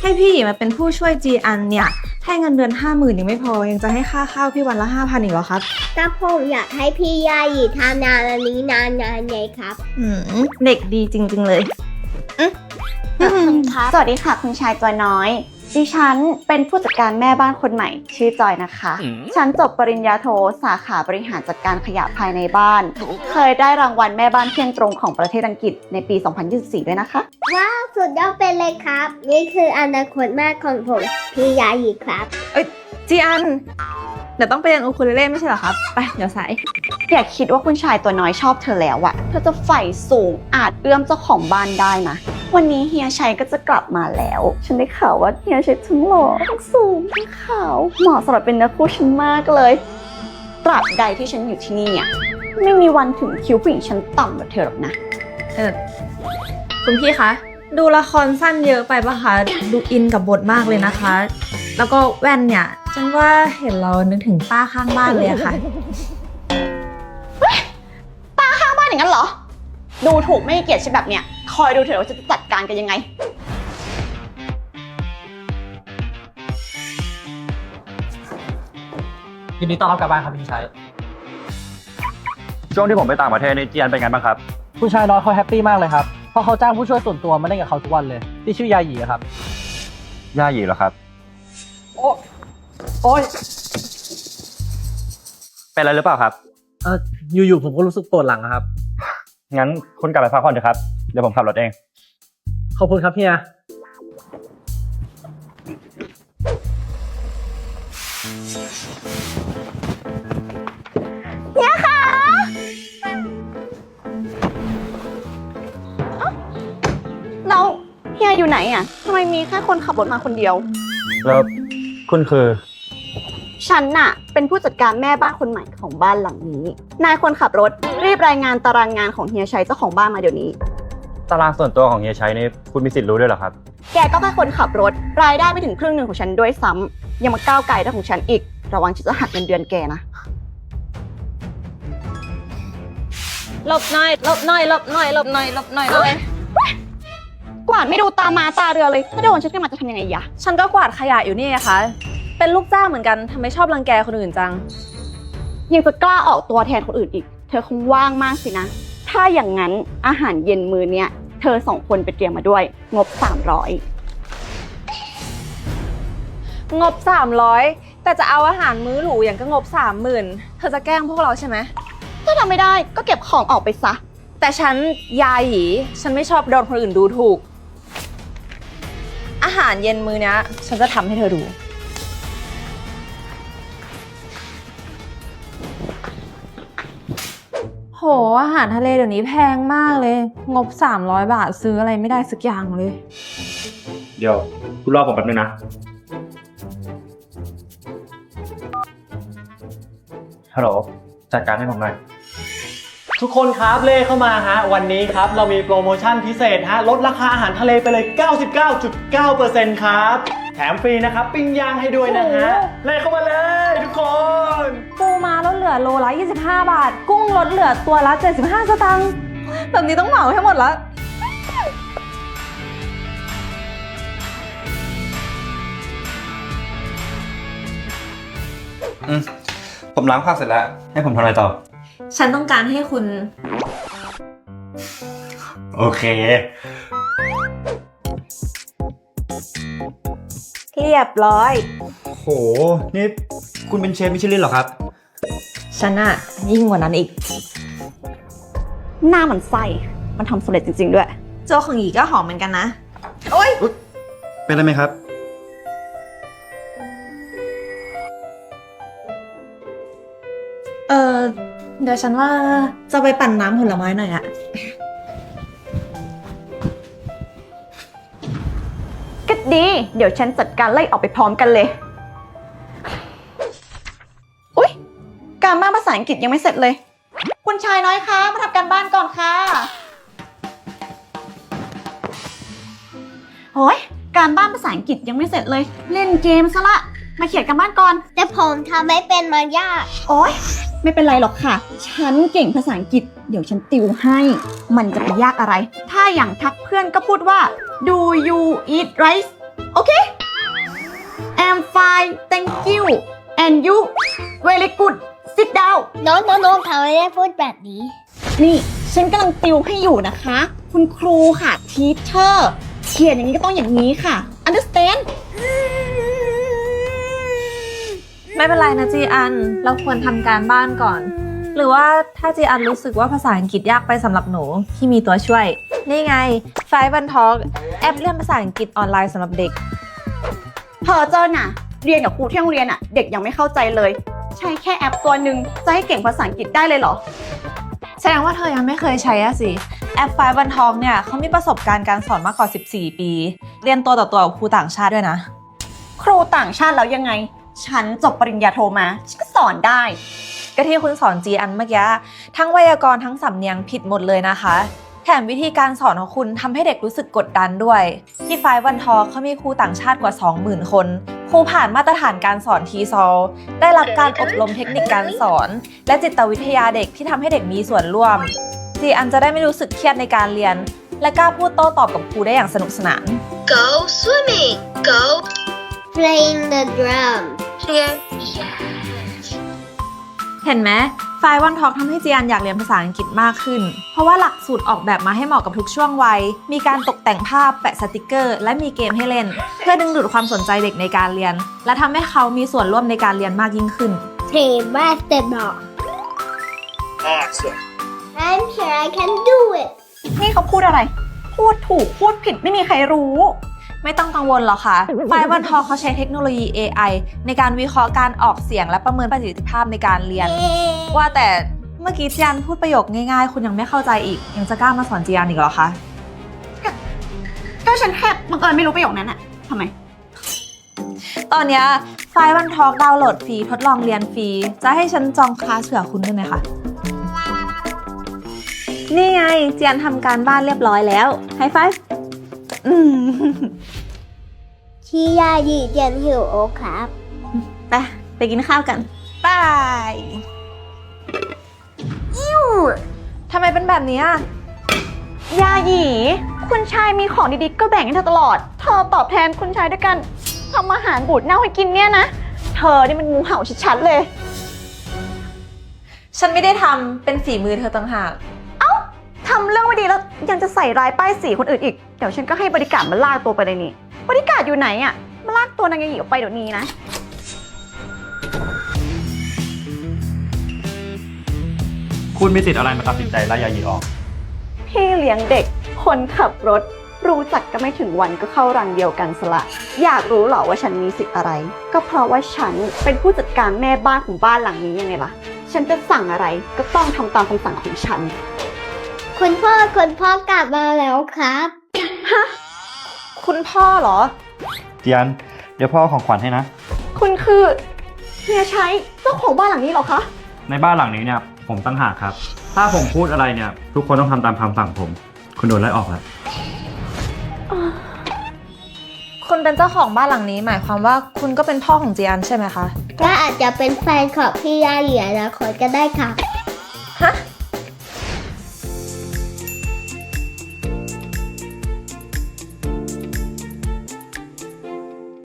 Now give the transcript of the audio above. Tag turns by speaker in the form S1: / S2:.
S1: ให้พี่หยีมาเป็นผู้ช่วยจีอันเนี่ยให้เงินเดือน50,000ยังไม่พอยังจะให้ค่าข้าวพี่วันละ5,000อีกเหรอครับ
S2: แต่ผมอยากให้พี่ยายีทำงานอันนี้นานๆไงครับ
S1: เด็กดีจริงๆเลย
S3: สวัสดีค่ะคุณชายตัวน้อยดิฉันเป็นผู้จัดการแม่บ้านคนใหม่ชื่อจอยนะคะฉันจบปริญญาโทสาขาบริหารจัดการขยะภายในบ้านเคยได้รางวัลแม่บ้านเที่ยงตรงของประเทศอังกฤษในปี 2024 ด้วยนะคะ
S2: ว้าวสุดยอดไปเลยครับนี่คืออนาคตแม่ของผมพี่ยายีครับ
S1: จีอันเดี๋ยวต้องไปเรียนอูคูเลเล่ไม่ใช่เหรอครับไปเดี๋ยวสาย
S3: อย่าคิดว่าคุณชายตัวน้อยชอบเธอแล้วอะเธอจะใฝ่สูงอาจเอื้อมเจ้าของบ้านได้นะวันนี้เฮียชัยก็จะกลับมาแล้วฉันได้ข่าวว่าเฮียชัยทั้งหล่อทั้งสูงทั้งขาวเหมาะสำหรับเป็นเนื้อคู่ฉันมากเลยตราบใดที่ฉันอยู่ที่นี่อะไม่มีวันถึงคิวผู้หญิงชั้นต่ำแบบเธอหรอกนะ
S1: คุณพี่คะดูละครสั้นเยอะไปปะคะดูอินกับบทมากเลยนะคะแล้วก็แว่นเนี่ยฉันว่าเห็นเรานึกถึงป้าข้างบ้านเลยอะค่ะ
S3: ป้าข้างบ้านอย่างนั้นเหรอดูถูกไม่เกียรติฉันแบบเนี้ยคอยดูเถอะว่าจะจัดการกันยังไง
S4: ยินดีต้อนรับกลับบ้านครับพี่ชัย
S5: ช่วงที่ผมไปต่างประเทศนี่จีอันเป็นไงบ้างครับ
S4: ผู้ชายน้อยเขาแฮปปี้มากเลยครับเพราะเขาจ้างผู้ช่วยส่วนตัวมาเล่นกับเขาทุกวันเลยที่ชื่อยาหยีครับ
S5: ย่าหยีเหรอครับ
S4: โอ๊ย
S5: เป็นอะไรหรือเปล่าครับ
S4: อยู่ๆผมก็รู้สึกปวดหลังครับ
S5: งั้นคุณกลับไปพักผ่อนเถอะครับเดี๋ยวผมขับรถเอง
S4: ขอบคุณครับเฮีย
S3: ค่ะแล้วเฮียอยู่ไหนอ่ะทำไมมีแค่คนขับรถมาคนเดียว
S5: แล้วคุณคือ
S3: ฉันน่ะเป็นผู้จัดการแม่บ้านคนใหม่ของบ้านหลังนี้นายคนขับรถรีบรายงานตารางงานของเฮียชัยเจ้าของบ้านมาเดี๋ยวนี้
S5: ตารางส่วนตัวของเฮียชัยนี่คุณมีสิทธิ์รู้ด้วยเหรอครับ
S3: แกก็แค่คนขับรถรายได้ไม่ถึงครึ่งหนึ่งของฉันด้วยซ้ำยังมาก้าวไก่เรื่องของฉันอีกระวังฉันจะหักเงินเดือนแกนะ
S1: หลบหน่อยหลบหน่อยหลบหน่อยหลบหน่อยหลบหน่อยเลย
S3: กวาดไม่ดูตามาตาเรือเลยถ้าโดนฉันขึ้นมาจะทำยังไงยะ
S1: ฉันก็กวาดขยะอยู่นี่นะคะเป็นลูกจ้างเหมือนกันทำไมชอบรังแกคนอื่นจัง
S3: ยังจะกล้าออกตัวแทนคนอื่นอีกเธอคงว่างมากสินะถ้าอย่างนั้นอาหารเย็นมื้อเนี้ยเธอ2 คนไปเตรียมมาด้วยงบ300
S1: งบ300แต่จะเอาอาหารมื้อหรูอย่างก็งบ30,000เธอจะแกล้งพวกเราใช่ไหม
S3: ถ้าทำไม่ได้ก็เก็บของออกไปซะ
S1: แต่ฉันยาหยีฉันไม่ชอบโดนคนอื่นดูถูกอาหารเย็นมื้อนี้ฉันจะทำให้เธอดูโหอาหารทะเลเดี๋ยวนี้แพงมากเลยงบ300 บาทซื้ออะไรไม่ได้สักอย่างเลย
S5: เดี๋ยวคุณรอผมแป๊บนึงนะฮัลโหลจัดการให้ผมหน่อย
S4: ทุกคนครับเล่เข้ามาฮะวันนี้ครับเรามีโปรโมชั่นพิเศษฮะลดราคาอาหารทะเลไปเลย 99.9% ครับแถมฟรีนะครับปิ้งย่างให้ด้วยนะฮะเล่เข้ามาเลยทุกคน
S1: ปูม้าลดเหลือโลละ25 บาทกุ้งลดเหลือตัวละ75 สตางค์แบบนี้ต้องเหมาให้หมดละ
S5: ผมล้างผักเสร็จแล้วให้ผมทำอะไรต่อ
S1: ฉันต้องการให้คุณ
S5: โอเค
S1: เรียบร้อย
S5: โหนี่คุณเป็นเชฟมิชลินเหรอครับ
S1: ฉันอะยิ่งกว่านั้นอีก
S3: หน้ามันไส้มันทำสำเร็จจริงๆด้วย
S1: โจ๊กของหยีก็หอมเหมือนกันนะโอ๊ย
S5: เป็นอะไรไหมครับ
S1: เดี๋ยวฉันว่าจะไปปั่นน้ำผลไม้หน่อยอะ
S3: ก็ดีเดี๋ยวฉันจัดการไล่ออกไปพร้อมกันเลยอุ๊ยการบ้านภาษาอังกฤษยังไม่เสร็จเลยคุณชายน้อยคะมาทำการบ้านก่อนค่ะโอ้ยการบ้านภาษาอังกฤษยังไม่เสร็จเลยเล่นเกมซะละมาเขียนการบ้านก่อน
S2: แต่ผมทำไม่เป็นมันยาก
S3: โอ๊ยไม่เป็นไรหรอกค่ะฉันเก่งภาษาอังกฤษเดี๋ยวฉันติวให้มันจะไปยากอะไรถ้าอย่างทักเพื่อนก็พูดว่า Do you eat rice Okay I'm fine thank you and you very good sit down
S2: น้องเขาไม่ได้พูดแบบนี้
S3: นี่ฉันกำลังติวให้อยู่นะคะ คุณครูค่ะ teacher เขียนอย่างนี้ก็ต้องอย่างนี้ค่ะ understand
S1: ไม่เป็นไรนะจีอัน เราควรทำการบ้านก่อน หรือว่าถ้าจีอันรู้สึกว่าภาษาอังกฤษยากไปสำหรับหนูพี่มีตัวช่วย นี่ไง Five One Talk แอปเรียนภาษาอังกฤษออนไลน์สำหรับเด็ก
S3: เพอเจอน่ะ เรียนกับครูที่โรงเรียนอ่ะ เด็กยังไม่เข้าใจเลย ใช้แค่แอปตัวหนึ่งจะให้เก่งภาษาอังกฤษได้เลยเหรอ
S1: แสดงว่าเธอยังไม่เคยใช้อะสิ แอป Five One Talk เนี่ยเขามีประสบการณ์การสอนมากกว่า 14 ปี เรียนตัวต่อตัวกับครูต่างชาติด้วยนะ
S3: ครูต่างชาติแล้วยังไง ฉันจบปริญญาโทมาฉันก็สอนได้
S1: ก็ที่คุณสอนจีอันเมื่อกี้ทั้งไวยากรณ์ทั้งสำเนียงผิดหมดเลยนะคะ แถมวิธีการสอนของคุณทำให้เด็กรู้สึกกดดันด้วย ที่ Five One Talk เขามีครูต่างชาติกว่า 20,000 คนครูผ่านมาตรฐานการสอนทีซอลได้รับการอบรมเทคนิคการสอน และจิตวิทยาเด็กที่ทำให้เด็กมีส่วนร่วมจีอันจะได้ไม่รู้สึกเครียดในการเรียน และกล้าพูดโต้ตอบกับครูได้อย่างสนุกสนาน
S6: Go swimming. Go
S2: playing the drum
S6: here.
S1: เห็นไหม Five One Talk ทำให้จีอันอยากเรียนภาษาอังกฤษมากขึ้น เพราะว่าหลักสูตรออกแบบมาให้เหมาะกับทุกช่วงวัย มีการตกแต่งภาพ แปะสติกเกอร์ และมีเกมให้เล่น เพื่อดึงดูดความสนใจเด็กในการเรียน และทำให้เขามีส่วนร่วมในการเรียนมากยิ่งขึ้น
S2: play basketball
S6: Awesome.
S2: I'm sure I can do it
S3: นี่เขาพูดอะไร พูดถูกพูดผิดไม่มีใครรู้
S1: ไม่ต้องกังวลหรอกค่ะ Five One Talk เขาใช้เทคโนโลยี AI ในการวิเคราะห์การออกเสียงและประเมินประสิทธิภาพในการเรียน ว่าแต่เมื่อกี้จีอันพูดประโยคง่ายๆ คุณยังไม่เข้าใจอีก ยังจะกล้ามาสอนจีอันอีกเหรอคะ
S3: ก็ฉันแค่บังเอิญไม่รู้ประโยคนั้นอะทำไม
S1: ตอนเนี้ย Five One Talk ดาวน์โหลดฟรีทดลองเรียนฟรี จะให้ฉันจองคลาสเผื่อคุณได้ไหมคะ นี่ไงเจียนทำการบ้านเรียบร้อยแล้วไฮไฟฟ์
S2: พี่ยายีเจียนหิวโอครับ
S1: ไปกินข้าวกันบายทำไมเป็นแบบนี้อะ
S3: ยาหยี คุณชายมีของดีๆก็แบ่งให้เธอตลอด เธอตอบแทนคุณชายด้วยกันทำอาหารบูดเน่าให้กินเนี่ยนะ เธอนี่มันงูเห่าชัดๆเลย
S1: ฉันไม่ได้ทำเป็นฝีมือเธอต่างหาก
S3: ทำเรื่องไม่ดีแล้วยังจะใส่ร้ายป้ายสีคนอื่นอีก เดี๋ยวฉันก็ให้บริการมาลากตัวไปเลยนี่ บริการอยู่ไหนอะมาลากตัวนางยาหยีออกไปเดี๋ยวนี้นะ
S5: คุณมีสิทธิ์อะไรมาตัดสินใจไล่ยายีออก
S3: พี่เลี้ยงเด็ก คนขับรถ รู้จักก็ไม่ถึงวันก็เข้ารังเดียวกันสละ อยากรู้เหรอว่าฉันมีสิทธิ์อะไร ก็เพราะว่าฉันเป็นผู้จัดการแม่บ้านของบ้านหลังนี้ยังไงล่ะ ฉันจะสั่งอะไรก็ต้องทำตามคำสั่งของฉัน
S2: คุณพ่อกลับมาแล้วครับ
S1: คุณพ่อเหรอ
S5: เจียน เดี๋ยวพ่อเอาของขวัญให้นะ
S3: คุณคือเฮียชัยเจ้าของบ้านหลังนี้เหรอคะ
S5: ในบ้านหลังนี้เนี่ยผมตั้งหากครับ ถ้าผมพูดอะไรเนี่ยทุกคนต้องทำตามคำสั่งผม คุณโดนไล่ออกแล้ว
S1: คุณเป็นเจ้าของบ้านหลังนี้หมายความว่าคุณก็เป็นพ่อของจีอันใช่ไหมคะ
S2: ก็อาจจะเป็นแฟนของพี่ยายีอนาคตก็ได้ครับ
S1: ฮะ